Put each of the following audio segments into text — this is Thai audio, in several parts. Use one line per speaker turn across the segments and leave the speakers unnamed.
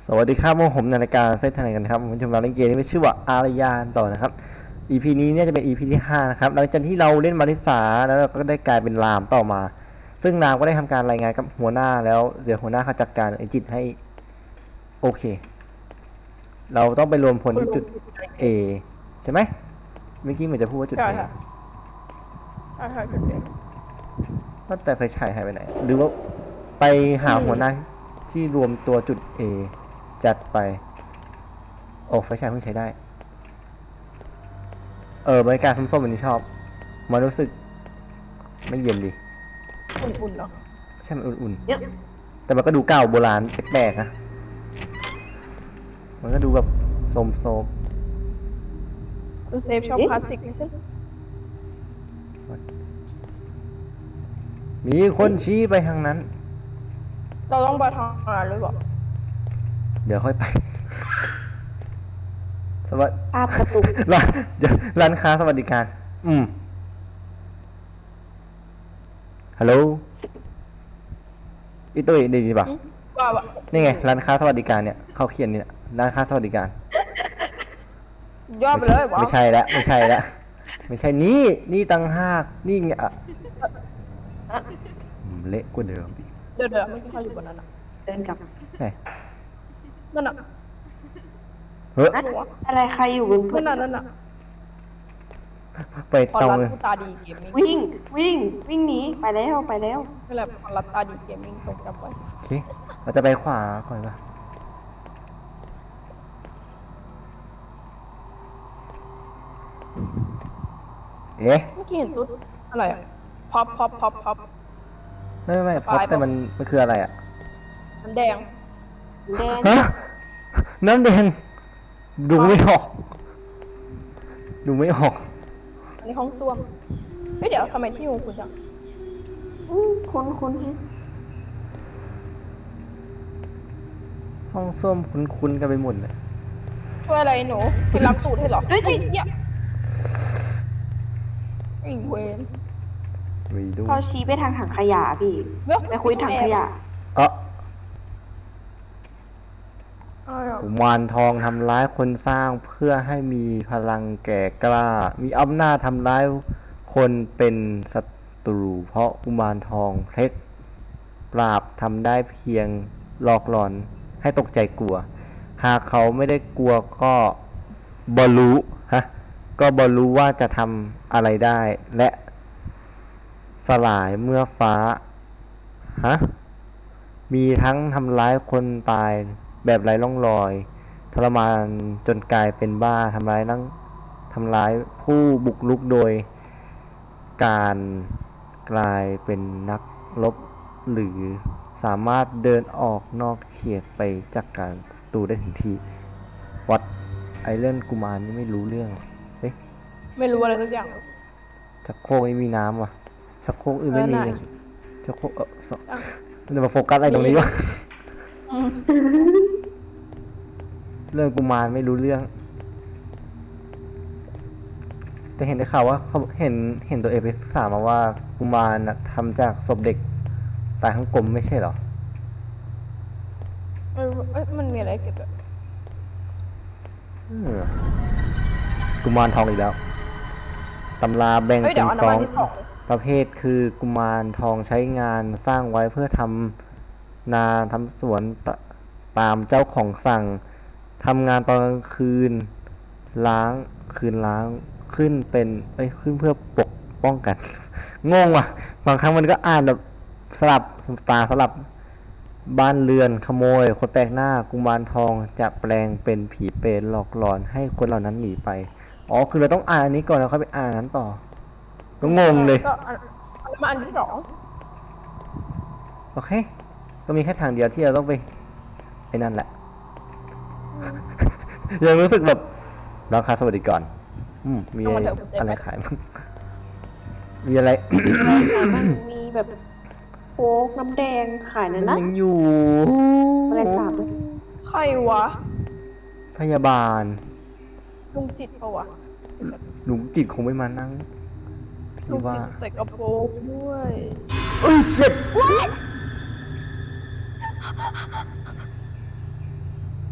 สวัสดีครับผมในรายการเซตทนายกันครับผมจะมาเล่นเกมที่มีชื่อว่าอารยานต่อนะครับ EP นี้เนี่ยจะเป็น EP ที่5นะครับหลังจากที่เราเล่นมาริสาแล้วเราก็ได้กลายเป็นรามต่อมาซึ่งรามก็ได้ทำการรายงานกับหัวหน้าแล้วเดี๋ยวหัวหน้าเขาจัดการไอจิตให้โอเคเราต้องไปรวมพลที่จุด A ใช่ไหมเมื่อกี้เหมือนจะพูดว่าจุด
ใช่
A
ค่ะใช่จุดเด่น
ว่าแต่ไฟฉายหายไปไหนหรือว่าไปหาหัวหน้าที่รวมตัวจุด A จัดไปโอ้ไฟฉายเพิ่งใช้ได้บรรยากาศส้มๆแบบนี้ชอบมันรู้สึกไม่เย็นดี
อุ่นๆเนาะ
ใช่มันอุ่น
เยอะ
ๆแต่มันก็ดูเก่าโบราณแปลกๆนะมันก็ดูแบบโซม
คุณเซฟชอบคลาสสิกไม่ใช่
ๆมีคนชี้ไปทางนั้น
เราต้องไปทางนั้นหรือเปล่า
เดี๋ยวค่อยไป สวัสดี
ภาพกระตุก
ร้านเดี๋ยวร้านค้าสวัสดิการฮัลโหลอีตุ้ยได้ยินปะ
ว่า
นี่ไงร้านค้าสวัสดิการเนี่ยเขาเขียนนี่นะร้านค้าสวัสดิการ
ย่อไปเลยวะ
ไม่ใช่แล้วไม่ใช่แล้วไม่ใช่นี่ตังหากนี่ไงเละกว่าเดิมอีก
เดี๋ยวไม่ใช่เขาอยู่บนนั้นอ่ะ
เดินกลับ
ไหน
นั่นอ่ะ
เฮ้ย
อะอะไรใครอยู่บนพื้
นั่นน่ะ
ไป
พอ
ตรง
รัด
เลย
กูตาดีเกมมิ่ง
วิ่งหนีไปแล้วไปแล้ว
นั่นแหละพอรัดตาดีเกมมิ่งตรงจำไว้
โอเคเราจะไปขวาก่อนป่ะเอ๊ะ
เมื่อกี้เห็นตุ๊ดอะไรอ่ะพับ
ไม่
ส
พ
ปาย
บแต่มันคืออะไรอ่ะ
มันแดง
แดง
ฮะน้ำแดงดูไม่ออกดูไม่ออก
อันนี้ห้องส้วมเฮ้ยเดี๋ยวทำไมชื่อของคุณจัง
คุ้นฮะ
ห้องส้วมคุ้นๆกันไปหมดเลย
ช่วยอะไรหนูไปรับตูดให้หรอเฮ้ยเหี้ยไอ้เวน
ไปดู
เขาชี้ไปทางถังขยะพี่
เว้ย
ไปคุยถังขยะ
กุมารทองทำร้ายคนสร้างเพื่อให้มีพลังแก่กล้า มีอำนาจทำร้ายคนเป็นศัตรู เพราะกุมารทองเพชรปราบทำได้เพียงหลอกหลอนให้ตกใจกลัว หากเขาไม่ได้กลัวก็บรรู้ก็บรรู้ว่าจะทำอะไรได้ และสลายเมื่อฟ้ามีทั้งทำร้ายคนตายแบบไร้ร่องรอยทรมานจนกลายเป็นบ้าทำร้ายผู้บุกรุกโดยการกลายเป็นนักรบหรือสามารถเดินออกนอกเขตไปจากการศัตรูได้ถึงที่วัดไอเล่นกุมารนี่ไม่รู้เรื่องเอ๊ะ
ไม่รู้อะไรสักอย่าง
ชักโครกนี่มีน้ำว่ะชักโครกอื่นไม่มี
ไหน
ชักโครกมันจะมาโฟกัสอะไรตรงนี้วะ เรื่องกุมารไม่รู้เรื่อง แต่เห็นได้ข่าวว่าเขาเห็นตัวเองไปศึกษามาว่ากุมารน่ะทำจากศพเด็กตายทั้งกลมไม่ใช่เหรอ
เอ้ยมันมีอะไรเก็บแบบ
กุมารทองอีกแล้วตำราแบ่ง
เฮ้ย
เป็
เดี๋ย
น
วเอา
ส
น้ำ
อ
มัน
ง
ที่สอง
ประเภทคือกุมารทองใช้งานสร้างไว้เพื่อทำนาทำสวนตามเจ้าของสั่งทำงานตอนกลางคืนล้างขึ้นเป็นขึ้นเพื่อปกป้องกัน งงว่ะบางครั้งมันก็อ่านแบบสลับบ้านเรือนขโมยคนแปลกหน้ากุมารทองจะแปลงเป็นผีเปรตหลอกหลอนให้คนเหล่านั้นหนีไปอ๋อคือเราต้องอ่านอันนี้ก่อนแล้วค่อยไปอ่านนั้นต่อก็งงเลย
ก็มาอันที่สอง
โอเค ก็มีแค่ทางเดียวที่เราต้องไปไอ้นั่นแหละ ยังรู้สึกแบบร้านค้าสวัสดิการมีอะไรขายบ้างมีอะไร
มันมีแบบโค้กน้ำแดงขายนะ
มัน
นะ
ยังอยู่
อะไรสาบด้วย
ใครวะ
พยาบาล
ลุงจิตปะวะ
ลุงจิตคงไม่มานั่ง
ลุ
พี่
ง
ว่า
จิตใส่กระโปรงด้วย
เอ้ยเจ็บ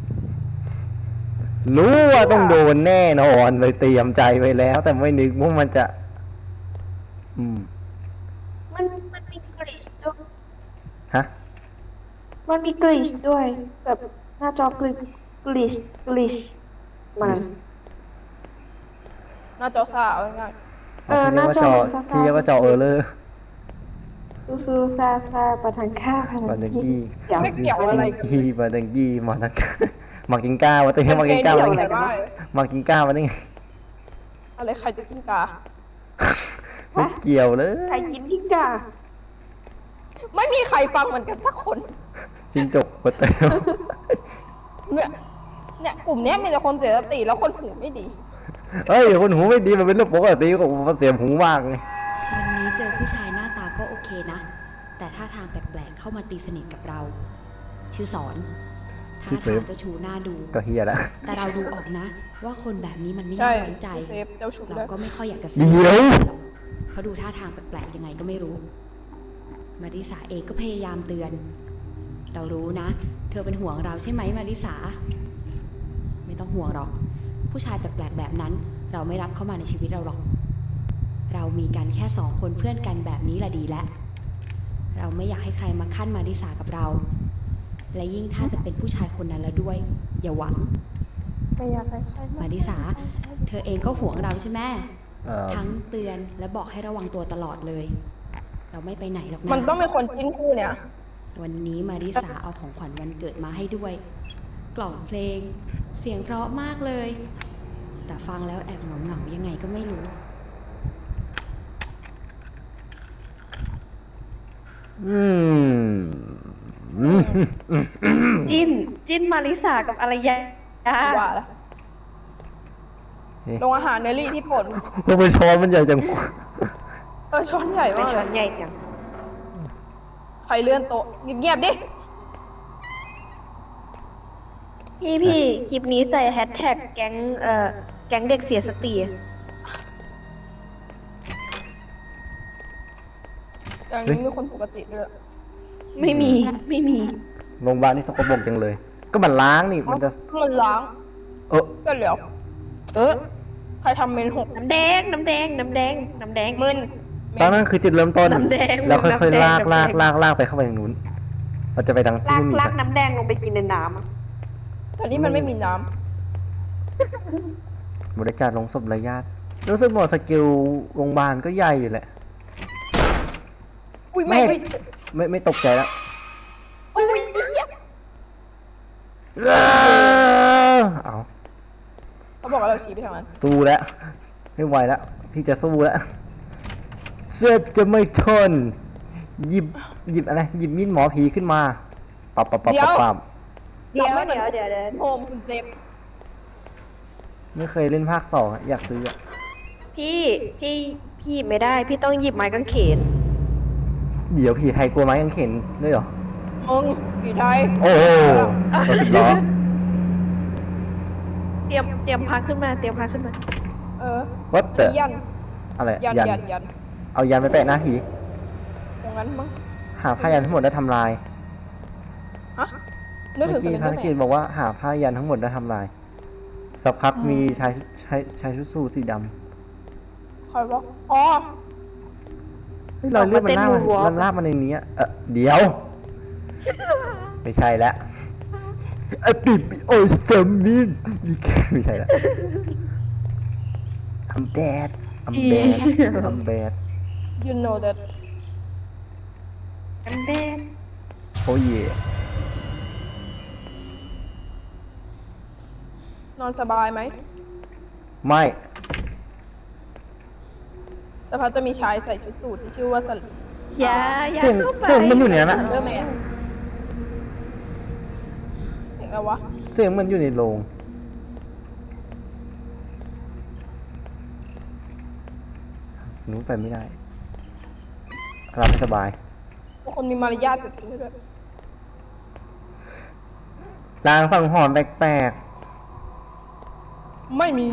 รู้ว่าต้องโดนแน่นอนเลยเตรียมใจไว้แล้ว แต่ไม่นึกว่ามันจะ อืม
มันมีกลิชด้วย
ฮะ
มันมีกลิชด้วย แบบหน้าจอกลิชมัน
หน้าจอซ่าเอาง่าย
หน้าจอมันซ่าๆ
ที่เรียกว่าจอเออร์เลอร์
ซูซาประทังค่าพ
มา
นั
ดั
ง
ง
กี้
กี้
เดี๋ยว
ไม่เกี่ยวอะไรกัน
กี้มาดังกี้มาดังมากินก้าวะเต้มากินก้าว
อะ
มา
ไร
ได้ไง
บ้าง
มากินก้าวมาได้ไง
อะไรใครจะกินกา
ไม่เกี่ยวเลย
ใครกินพิกา
ไม่มีใครฟังเหมือนกันสักคน
จิงจกมาเต้
เนี่ยกลุ่มเนี้ยมีแต่คนเสียสติแล้วคนหูไม่ดี
เฮ้ยคนหูไม่ดีมันเป็นเรื่องปกติของมันเสียหูมากไง
วันนี้เจอผู้ชายหน้าตาก็โอเคนะ แต่ท่าทางแปลกๆเข้ามาตีสนิทกับเรา ชื่อสอนท่าทางเจ้าชู้หน้าดู
ก็เฮียละ
แต่เราดูออกนะ ว่าคนแบบนี้มันไม่
ใช่
น่าไว้ใจ
ชื่อเซฟเจ้าชู้
เรา
ด้วย
ก็ไม่ค่อยอยากจะ
เดี๋ยว
หรอกเพราะดูท่าทางแปลกๆยังไงก็ไม่รู้ มาริสาเองก็พยายามเตือน เรารู้นะ เธอเป็นห่วงเราใช่ไหมมาริสา ไม่ต้องห่วงหรอก ผู้ชายแปลกๆแบบนั้น เราไม่รับเข้ามาในชีวิตเราหรอก เรามีกันแค่สองคนเพื่อนกันแบบนี้ละดีแล้ว เราไม่อยากให้ใครมาขั้นมาริสากับเรา และยิ่งถ้าจะเป็นผู้ชายคนนั้นแล้วด้วย อย่าหวัง
ไม่อยากให้ใคร
มาริสา เธอเองก็ห่วงเราใช่ไหม
เอ่อ
ทั้งเตือนและบอกให้ระวังตัวตลอดเลย เราไม่ไปไหนหรอกนะ
มันต้องเป็นคนจิ้นคู่เนี่ย
วันนี้มาริสาเอาของขวัญวันเกิดมาให้ด้วย กล่องเพลง เสียงเพราะมากเลย แต่ฟังแล้วแอบเหงาๆยังไงก็ไม่รู้
อืม
จิ้นมาริสากับอารยา
ว่าแล้ว
นี่
โรงอาหารเนลลี่ที่โปรด
โอ้เป็นช้อนมันใหญ่จัง
ช้อนใหญ่
ไม่
มาก
ช้
เล
อน
ย
ใหญ่จัง
ใครเลื่อนโต๊ะเงียบๆดิ
พี่คลิปนี้ใส่แฮชแท็กแก๊งแก๊งเด็กเสียสติ
แต่อันนี้มีคนปกติด้วย
ไม่มี
โรงพยาบาลนี่สกปรกจังเลย ก็มันล้างนี่มันจะ
มันล้าง
เออ
ก็เหลียว ใครทำเมนหก
น้ำแดง
มึน
ตอนนั้นคือจุดเริ่มต้น
น้ำแดง
แล้วค่อยๆ
น้ำแดง
ลากไปเข้าไปทางนู้น เราจะไปทางที่ไม่มี
ลากน้ำแดงลงไปกินในน้ำอะ
แต่นี่มันไม่มีน้
บริจาคลงศพระยะรู้สึกหมดสกิลโรงพยาบาลก็ใหญ่อยู่แหละ
ำอุ้ย
ไม่
ไม่
ตกใจแล้ว
อุ้ยเหี้ย
เอา
เขาบอกว่าเราชี้ไปทางนั้น
สู้แล้ว ไม่ไหวแล้ว พี่จะสู้แล้วเซฟจะไม่ทน หยิบอะไร หยิบมีดหมอผีขึ้นมาปับ
เดี๋ยว
ไม่หมือน
เดี๋ยว
โฮมคุณเซฟ
ไม่เคยเล่นภาคสองอะอยากซื้ออะ
พี่ไม่ได้ พี่ต้องหยิบไม้กางเขน
เดี๋ยวผีไทยกลัวไม้กางเขนด้วยเหรอ
มึงผีไทย
โอ้โหรถสิบล้อ
เตรียมพาขึ้นมา
เออ
What the
ยัน
อะไร
ยัน
ยัน
ยันยัน
เอายันไปแปะหน้าผี
อย่างนั้นมั้ง
หาผ้ายันทั้งหมดแล้วทำลาย
ฮะนึก
เมื่
ถึ
อง
ส
กี้
เลนเดอร์แม
ภารกิจ
น
บอกว่าหาผ้ายันทั้งหมดแล้วทำลาย สักพักมีชายชุดสูทสีด
คอยบอกอ๋อ
ำเฮ้ยรอยเลือดมันลาก
ออกมาเต้น moonwalk
มันลากมาในนี้อะเดี๋ยว ไม่ใช่แล้วไอปิดโอ้ยสมินไม่ใช่แล้ว I'm bad I'm bad
ยูโน่เด
น้ำแดง
โอ้ย
นอนสบายไหม
ไม่
สักพักจะมีชายใส่ชุดสูทที่ชื่อว่าสเลน
อย่า
เสียง
เข้าไป
เสียงมันอยู่ในนั้นอะ
เดอร์แมนเสียงอะไรวะ
เสียงมันอยู่ในโรงหนูไปไม่ได้รับไม่สบาย
บางคนมีมารยาทเกิดขึ้นด้วย
ลางสังหรณ์แปลก
ไม่มี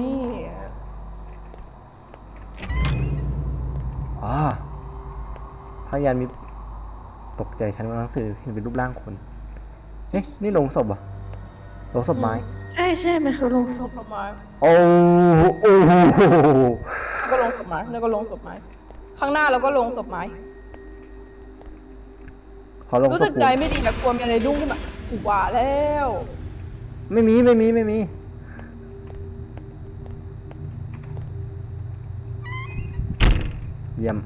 ๆอ๋อพยันมีตกใจฉันว่าหนังสือเห็นเป็นรูปร่างคน เอ๊ะ นี่โลงศพเหรอ่ะโลงศพไม้
ใช่ใช่มันคือโรงศพ
ศพไม้
โอ้โอ้โห
แล้วก็ลงศพไม้แล้วก็ลงศพไม้ข้างหน้าเราก็ลงศพไม้
เขาลง
รู้
ศ
สึ
พ
ก
กู
ใจไม่ดีแต่กลัวมีอะไรดุ้งขึ้นมากูว่าแล้ว
ไม่มีไม่มีไม่มีเยี่ยม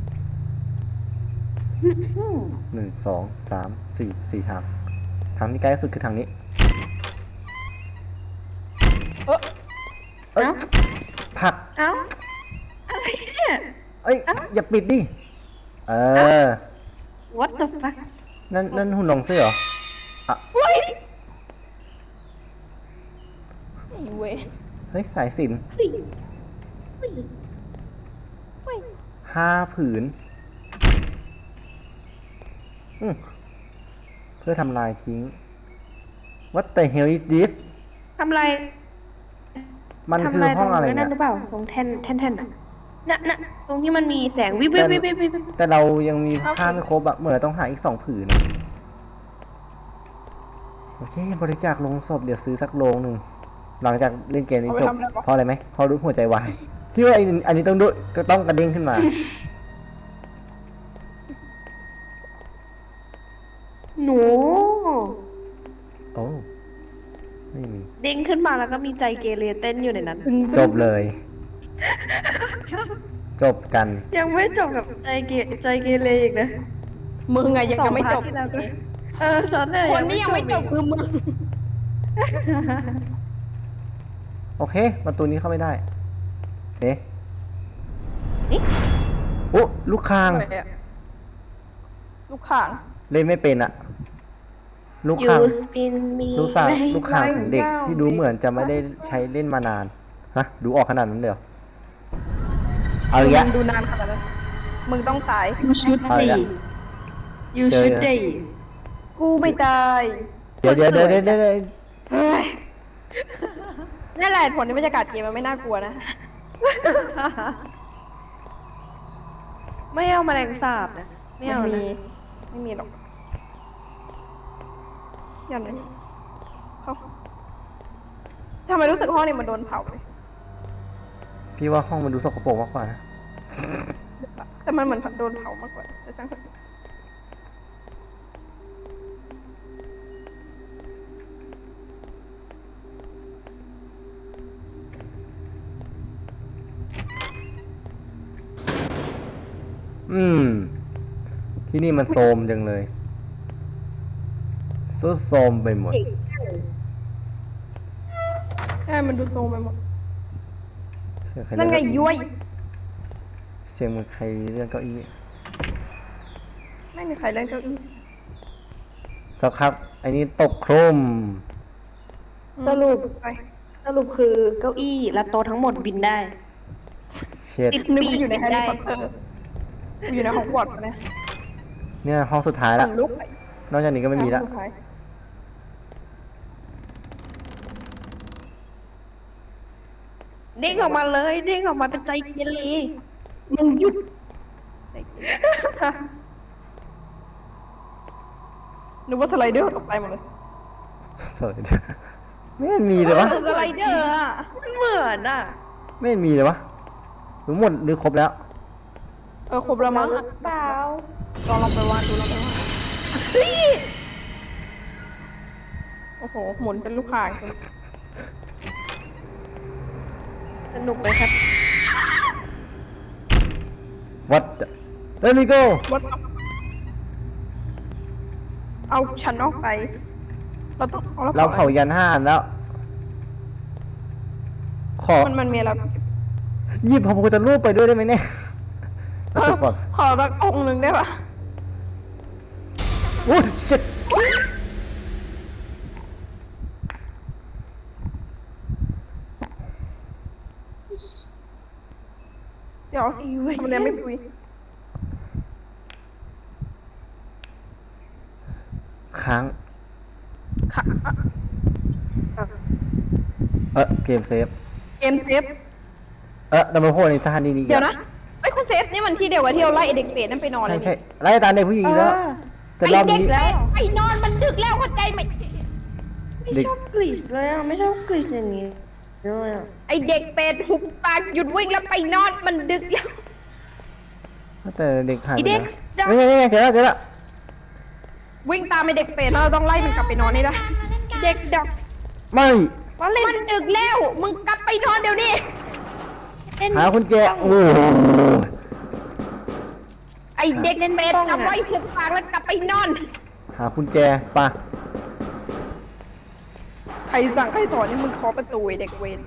1 2 3 4ทางทางที่ใกล้ที่สุดคือทางนี้
เออ
เอ้ยผลัก
เอ้าอะไรเนี่ย
เอ้ยอย่าปิดดิเออ
what the fuck
นั่นหุ่นลงเสื้อเหรออ่ะ
ไอ้เว้ย
เฮ้ยสายสิญจน
เฮ้ยเฮ้ย
เฮ้ย
5 ผืนเพื่อทำลายทิ้ง What the hell is this
ทำไร
มันคือห้องอะไร
ทำ
เนี่ย
นั่นหรือเปล่าตรงแท่นอ่ะน่ะตรงที่มันมีแสงวิบวิบวิบวิบวิบ
แต่เรายังมีผ้าไม่ครบอะเหมือนเราต้องหาอีก2 ผืนอะโอเคบริจาคลงศพเดี๋ยวซื้อสักโลงหนึ่งหลังจากเล่นเกมนี้จบเพราะอะไรไหมเพราะรู้หัวใจวายพี่ว่าอันนี้ต้องดูก็ต้องกระเด้งขึ้นมา
หนู
โอ้ไม่มี
เด้งขึ้นมาแล้วก็มีใจเกเรเต้นอยู่ในนั้น
จบเลย จบกัน
ยังไม่จบกับใจเกเรอีกนะ
มึงไงยังจะไม่จบ
สองพาร์ทที่แล้วก็สอนเลย
คนที่ยังไม่จบคือมึง
โอเค ประตูนี้เข้าไม่ได้เอ๊ะ
นี่
โอ้ลูกคาง
อะไรอะลูกข่าง
เล่นไม่เป็นอะลูก
ยู
คาง
สปินมี
ลูกคางของเด็กที่ดูเหมือนจะไม่ได้ใช้เล่นมานานฮะดูออกขนาดนั้นเลยเหรอเอาอีกแล้ว
มึงดูนานขนาดนั้นมึงต้องตาย
ยูชุด
เอาอีก
ดี
แล้ว
ยูชุดดี
กูไม่ตาย
เดี๋ยว
เฮ้ยนั่นแหละผลที่บรรยากาศเกมมันไม่น่ากลัวนะ
ไม่เอาแมลงสาบนะไม่เอา
ไม่
นะ
มีไม่มีหรอกยันเลยเขาทำไมรู้สึกห้องนี้มันโดนเผาเลย
พี่ว่าห้องมันดูสกปรกมากกว่านะ
แต่มันเหมือนโดนเผามากกว่าแต่ช่างเถอะ
ที่นี่มันโทรมจังเลยซุดโทรมไปหมด
ใช่มันดูโซมไปหมด
เสียงใคร
นั่นไง
เลื่อน
ย้วย
เสียงเหมือนใครเลื่อนเก้าอี้
ไม่มีใครเล่นเก้าอี้
สักพักไอ้นี่ตกโครม
สรุป
ไป
สรุปคือเก้าอี้และโต๊ะทั้งหมดบินได้
เช็ด
ติด
นึกว่าอยู่ในแฮร์รี่พอตเตอร์กูอยู่ในฮอกวอตส์นะ
เนี่ยห้องสุดท้ายละ
ลุกไป
นอกจากนี้ก็ไม่มีละ
สุดท้าย
เด้งออกมาเลยเด้งออกมาเป็นใจเกเร
มึงหยุดนึกว่าสไลเดอร์ตกใจหมดเลย
สวยด้วยไม่เห็นมีเลยวะ
สไลเดอร์อะ
มันเหมือนอ่ะ
ไม่เห็นมีเลยวะหรือหมดหรือครบแล้ว
ครบแล้วมั้ง
เปล่า
ลองไปวาดดูลองไปวาดโอ้โหหมุนเป็นลูกข่าง
สนุกไหมครับ
What Let me go
วัดเอาฉันออกไป เราต้อง
เราเผายัน5 อันแล้ว ขอ
มันมีอะไร
หยิบพระพุทธรูปไปด้วยได้ไหมเนี่ยรู้สึกก่อน
ขอสักองค์หนึ่งได้ปะ
โอ้ย shit
เดี๋ยวทำไมไม่คุย
ค้าง
ค่ะ
เกมเซฟ
เกมเซฟ
ดับเบิลโฮในสถานีนี้อีก
เดี๋ยว
แล้ว
นะไอ้ยคุณเซฟนี่มันที่เดียวกับที่เราไล่ไอ้เด็กเปรตนั่นไปนอนเล
ใช่
ย
ใช่ไล่ตามเด็กผู้หญิงอีกแล้ว แต่รอบ
ไอ้เด็ก
นี้
เปรตไปนอนมันดึกแล้วเข้าใจไหม
ไม่ไม่
เด็ก
ชอบกลิชเลยอ่ะไม่ชอบกลิชอย่างนี้เลยอ่ะ
ไอเด็กเป็ดหุบปากหยุดวิ่งแล้วไปนอนมันดึกแล้ว
แต่เด็กหาย
ไอ
ไป
เด็ก
แล้วไม่ใช่ไม่ใช่เจอแล้วเจอแล้ว
วิ่งตามไอเด็กเป็ดแล้วเราต้องไล่มันกลับไปนอนนี่ละเด็กดอก
ไม่
มาเล่น
มันดึกแล้วมึงกลับไปนอนเดี๋ยวนี้
เล่น
หาคุณแจโอ้โห
ไอเด็กเป็ดกลับไว้หุบปากแล้วกลับไปนอน
หาคุณแจปะ
ใครสั่งใครสอนนี่มึงเคาะประตูไอเด็กเวร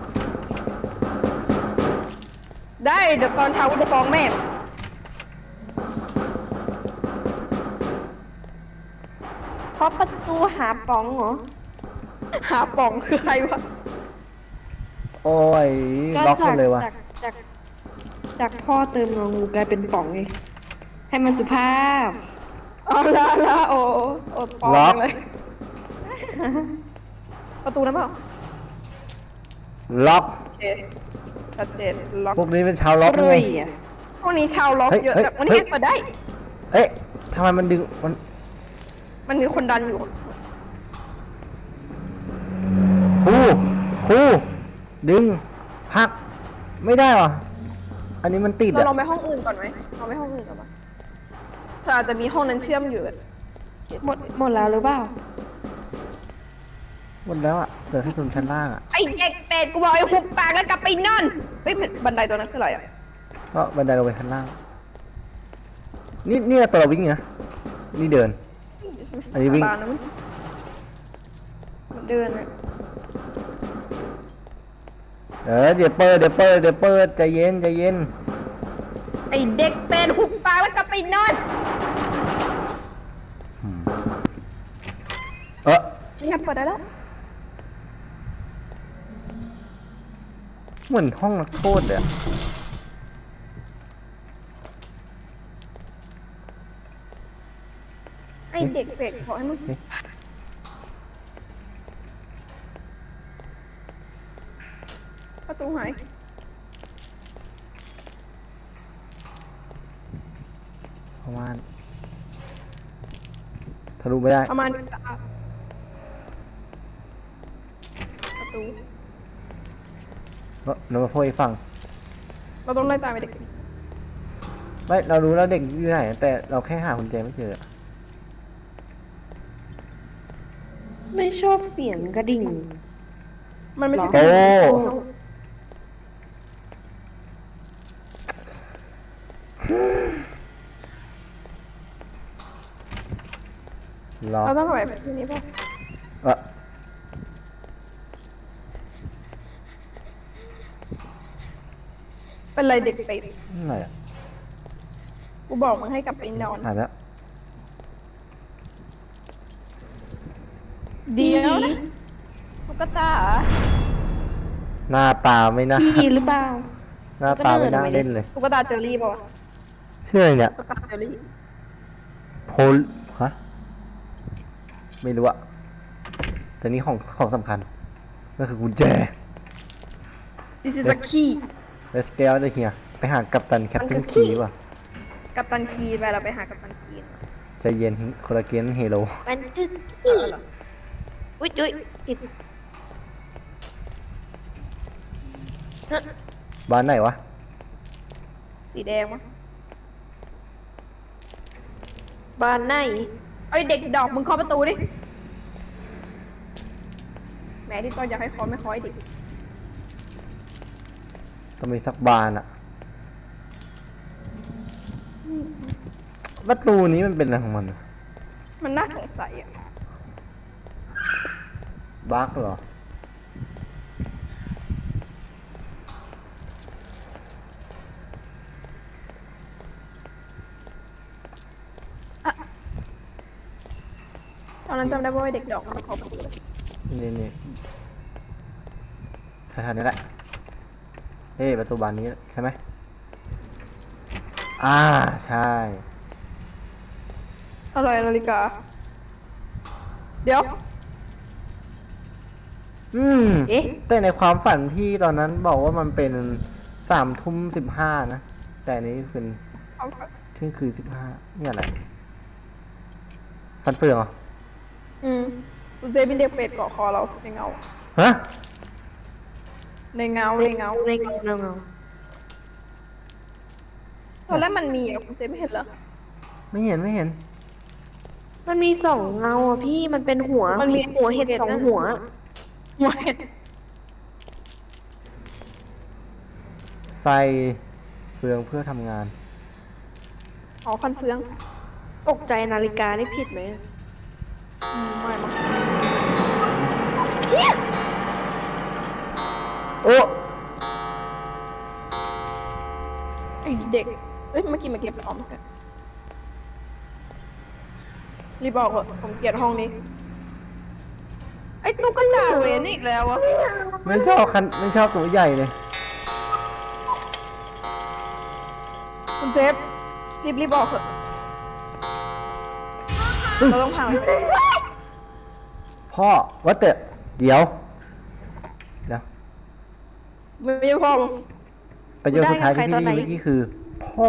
ได้เดี๋ยวตอนเช้ากูจะฟ้องแม่
เคาะประตูหาป๋องเหรอ
หาป่องคือใครวะ
โอ้ยล็อกหมดเลยวะ
จากพ่อเติมงองูกลายเป็นป๋องไงให้มันสุภาพ
เอาละโอ้ปองจังเลย ประตูนั้นเปล่า
ล็อก
โอเคชัดเจนล็อก
พวกนี้เป็นชาวล็อก
เล
ไง
ยอ่ะ
พวกนี้ชาวล็อก
เฮ้ย
เยอะ
เฮ้ย
แต่วันนี้
เฮ้ย
เปิดได้
เอ๊ะทำไมมันดึงมัน
มันมีคนดันอยู่
ครูดึงพักไม่ได้วะอันนี้มันติด
เรา
อะ
ลองไปห้องอื่นก่อนไหมเราไปห้องอื่นก่อนปะแต่อาจจะมีห้องนั้นเชื่อมอยู่อะ
หมดแล้วหรือเปล่า
หมดแล้วอะเหลือแค่ตรงชั้นล่างอะ
ไอเด็กเป็ดกูบอกไอ้หุบปากแล้วกลับไปนอนเฮ้ยบันไดตัวนั้นคืออะไรอ่ะ
ก็บันไดลงไปชั้นล่าง นี่ตัวเราวิ่งนะนี่เดิน อันนี้วิ่ง
ตามนะมันเดินอะ
เดี๋ยวเปิดใจเย็น
ไอเด็กเป็ดหุบปากแล้วกลับไปนอน เนี่ยเปิดได้แล้ว
เหมือนห้องนักโทษเลยอะ
ไอเด็กเป็ดขอให้มึงประตูหาย
ประมาณทะลุไม่ได้
ประมาณนี้สะอาดประตู
เรามาพูดให้ฟัง
เราต้องไล่ตามไอเด็ก
ไม่เรารู้แล้วเด็กอยู่ไหน แต่เราแค่หากุญแจไม่เจออะ
ไม่ชอบเสียงกระดิ่ง
มันไม่ใช่
โอ้ ล็อก
เราต้องเข้าไปที่นี้ป่ะ
เอะ
เป็นไรเด็กเป็ด
อะไรอะ
กูบอกมึงให้กลับไปนอน
หายแล้ว
เดี๋ยวนะตุ๊กตาเหรอ
หน้าตาไม่น่า
พี่หรือเปล่า
หน้าตาไม่น่าเล่นเลย
ตุ๊กตาเจอรี่ป่ะวะ
ชื่ออะไรเนี่ย
ตุ๊กตาเจอรี่
โพลฮะไม่รู้อะแต่นี่ของสำคัญก็คือกุญแจ
This is a key
Let's get out of here ไปหากัปตันแคปตัน
มันคือ
คีว่ะ
กัปตันคีย์ไปเราไปหากัปตันคีย์
ใจเย็นโคลาเกนเฮโร่
มันคือขี้อุ้ยติด
บ้านไหนวะ
สีแดงวะ
บ้านไหน
เอ้ยเด็กดอกมึงเคาะประตูดิแหมที่ตอนอยากให้เคาะไม่เคาะไอ้เด็ก
ต้องมีสักบานอะประตูนี้มันเป็นอะไรของมันอะ
มันน่าสงสัยอ่ะ
บั๊กเหรอ
ตอนนั้นจำได้ว่าไอ้เด็กดอกมันเคาะประตูเลย
นี่แถวๆนี้แหละเฮ้ยประตูบานนี้ใช่ไหมใช่
อะไรนาฬิกา เดี๋ยว
เอ๊ะ
แต่ในความฝันพี่ตอนนั้นบอกว่ามันเป็น3:15นะ แต่อันนี้เป็น
เอา
เที่ยงคืน15นี่อะไร ฟันเฟืองเหรอ
อืมคุณเซฟมีเด็กเป็ดเกาะคอเราในเงา
ฮะ
ในเงา ตอนแรกมันมีอ่ะคุณเซฟไม่เห็นเหรอ
ไม่เห็นไม่เห็น
มันมีสองเงาอ่ะพี่มันเป็นหัว
มันมี
หัวเห็ดสองหัว
หัวเห็ด
ใส่เฟืองเพื่อทำงาน
อ๋อฟันเฟือง
ตกใจนาฬิกานี่ผิดไหม
ไม่มั้ง
โอ้
ไอเด็กเอ้ยเมื่อกี้มาเก็บออมใช่รีบบอกเหอะผมเกลียดห้องนี้ไอตุ๊กตาเวนอีกแล้วอะ
ไม่ชอบไม่ชอบตัวใหญ่เลย
คุณเซฟรีบบอกเหอะเราต้องพัง
พ่อว่าแต่เดี๋ยว
ไม่ใช่พ่อ
ประโยคสุดท้ายที่พี่ได้ยินเมื่อกี้คือ พ่อ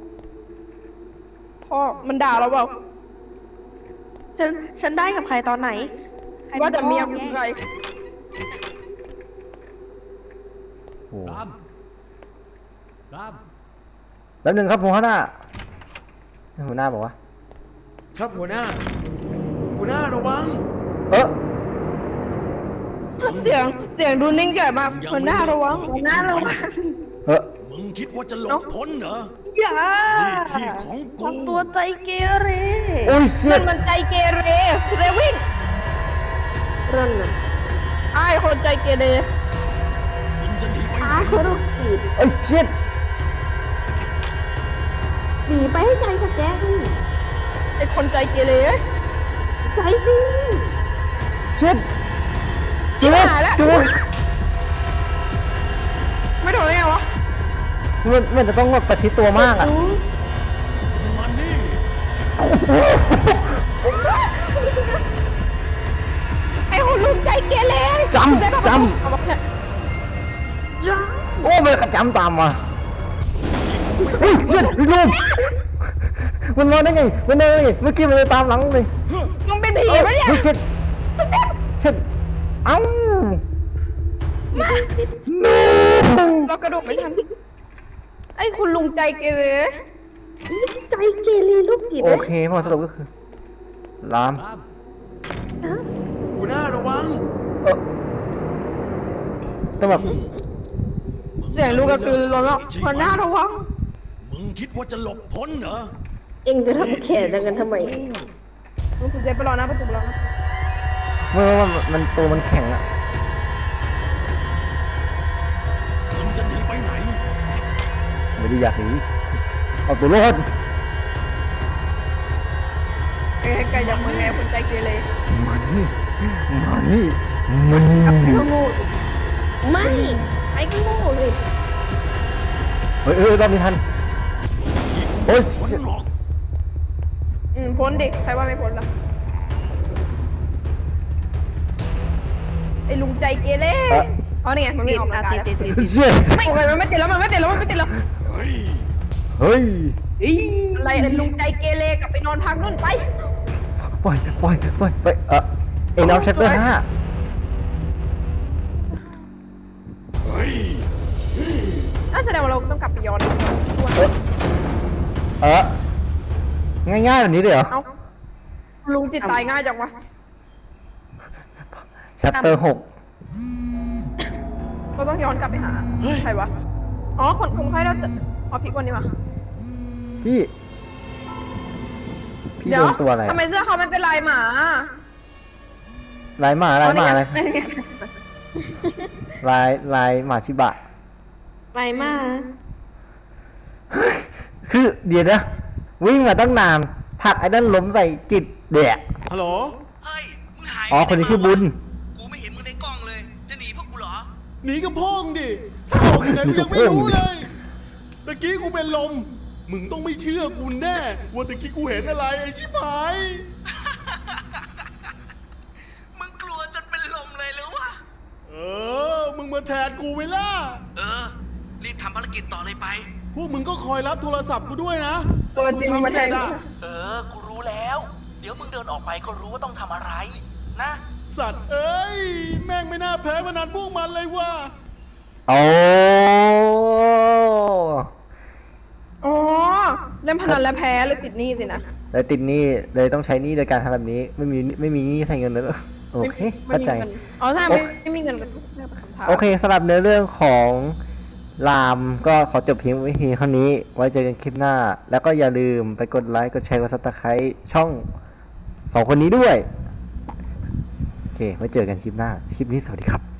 พ่อมันด่าเราเปล่า
ฉันได้กับใครตอนไหนใคร
ว่าแต่เมีย
ป็
คุ
น
ณ
พ่อ
ใคร
โอ้
รามราม
แป๊บนึงครับหัวหน้าหัวหน้าบอกว่า
ครับหัวหน้า หัวหน้าระวัง
เสียงดูนิ่งใหญ่มากหัวหน้าระวัง
หน้าระวัง
มึงคิดว่าจะหลบพ้นเหรอ
อย่า
นี่ที่ของกู
ทำตัวใจเกเร
โอ้ยเชี่ย
มันใจเกเรเรวิ่ง
เรื่องน่ะ
ไอ้คนใจเกเร
มึงจะหนีไปไหน
อาคือลูกจีบ
ไอ้เชี่ย
หนีไปให้ไกลกับแกนี่
ไอ้คนใจเกเร
ใจจริง
เชี่ย
จิ๋วหายแล้ว
จุ๊บ
ไม่โดนได้ไงวะ
มันจะต้องแบบประชิดตัวมากอ่ะ
มันนี่
ไอ้คนลุงใจเกเร
จำ
เอาบอกเนี่ย
จ้า
โอ้มันกระจำตามมาเฮ้ยเชี่ยลูกมันมาได้ไงมันมาได้ไงเมื่อกี้มันเลยตามหลังเลย
มึงเป็นผีปะเนี่ย
ฮ้เช็ดเช็ดเอ้า
เรากระโดดไม่ทันไอ้คุณลุงใจเกเร
ใจเกเรลูกจีบ
โอเคพอสรุปก็คือลาม
รามหัวหน้าระวัง
ต้องแบบ
เสียงลูกกระตือรือร้นแล้วหัวหน้าระวัง
มึงคิดว่าจะหลบพ้นเหรอ
เอ็งจะทำแขนดังกันทำไม
คุณเจไปรอนะประตูรอนะ
มันตัวมันแข็งอะ
มึงจะหนีไปไหน
ไม่ได้อยากหนีเอาตัวรอด
ไอ้ไก่จากเมืองแง่คุณใจเกเร
มานี่มานี่มานี่
ไม่ไอ้ก็โง่เลย
เฮ้ยรอบนี้ทันโอ้ย
พ้นหรอก
พ้นดิใครว่าไม่พ้นล่ะไอ้ลุงใจเกเรอ๋อนี่ไงมันไม่ออกกำลังกายแล้ว
เชี่ย
โอ้ยมันไม่ติดแล้วมันไม่ติดแล้วมันไม่ติดแล้ว
เฮ้ย
เฮ้ย
อะไรไอ้ลุงใจเกเรกลับไปนอนพักนู่นไป
ปล่อยไปเอ็งเอาชัตเตอร์5
เฮ้ย
น่าแสดงว่าเราต้องกลับไปย้อน
ง่ายๆแบบนี้เลยเหรอ
เอ้าลุงจิตตายง่ายจังวะ
ชัตเตอร์6
ก็ต้องย้อนกลับไปหาใครวะอ๋อคนไข้เราจะอ๋อพี่คนนี้วะ
พี่โดนตัวอะไร
ทำไมเสื้อเขาไม่เป็นลายหมา
ลายหมาอะไรลายหมาชิบะ
ไปมา
คือเดี๋ยวนะวิ่งมาตั้งนานผลักไอ้นั่นล้มใส่จิตแดก
ฮัลโหล
เฮ้ย มึงหาย
อ๋อคนที่ชื่อบุญ
กูไม่เห็นมึงในกล้องเลย จะหนีพวกกูเหรอ
หนีกับพ่องดิถ้าออกที่ไหนกูยังไม่รู้เลย ตะกี้กูเป็นลม มึงต้องไม่เชื่อกูแน่ ว่าตะกี้กูเห็นอะไรไอ้ชิบหาย
มึงกลัวจนเป็นลมเลยหรือวะ
มึงมาแทนกูไว้ล่ะ
เออ รีบทำภารกิจต่อเลยไป
พวกมึงก็คอยรับโทรศัพท์กูด้วยนะ
ตัวจริงมาแทน
อ่ะ
เออ กูรู้แล้ว เดี๋ยวมึงเดินออกไปก็รู้ว่าต้องทำอะไร นะ
สัตว์เอ้ย แม่งไม่น่าแพ้พนันพวกมันเลยว่ะ
โอ้
อ๋อ เล่นพนันแล้วแพ้เลยติดหนี้สินะ
เลยติดหนี้เลยต้องใช้หนี้โดยการทำแบบนี้ ไม่มีหนี้ใช้เงินเลยโอเค
ไม่
เข้าใจ
มีเงินอ๋อถ้าไม่มีเงินก็ทุกเรื่องคำถาม
โอเคสำหรับเนื้อเรื่องของรามก็ขอจบเพียงไว้เพียงเท่านี้ ไว้เจอกันคลิปหน้า แล้วก็อย่าลืมไปกดไลค์ กดแชร์ กดซับสไครต์ช่อง2 คนนี้ด้วย โอเค ไว้เจอกันคลิปหน้า คลิปนี้สวัสดีครับ